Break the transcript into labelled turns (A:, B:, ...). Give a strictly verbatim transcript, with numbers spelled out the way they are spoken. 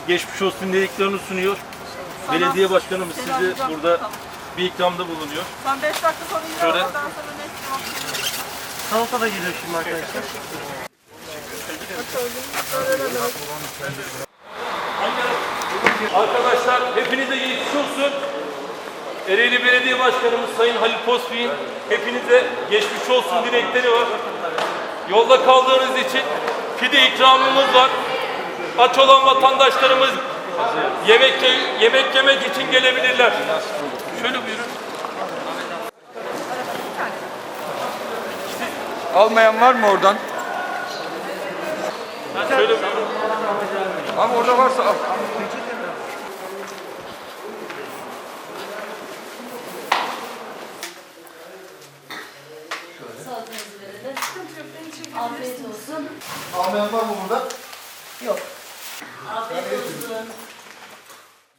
A: geçmiş olsun dileklerini sunuyor.
B: Sana,
A: Belediye başkanımız sizi
B: selamlayacağım.
A: burada
B: Tamam.
A: bir ikramda bulunuyor.
B: Ben beş dakika sonra yine
A: Şöyle.
B: oradan sonra ne istiyorum?
C: Salata da geliyor şimdi arkadaşlar.
A: Arkadaşlar hepinize geçmiş olsun. Ereğli Belediye Başkanımız Sayın Halil Pospi'nin hepinize geçmiş olsun dilekleri var. Yolda kaldığınız için pide ikramımız var. Aç olan vatandaşlarımız yemek yemek yemek için gelebilirler. Şöyle buyurun.
D: Almayan var mı oradan?
A: Şöyle buyurun.
D: Ama orada varsa al.
E: Salatanızı verelim. Afiyet olsun.
C: Almayan var mı burada?
E: Afiyet olsun.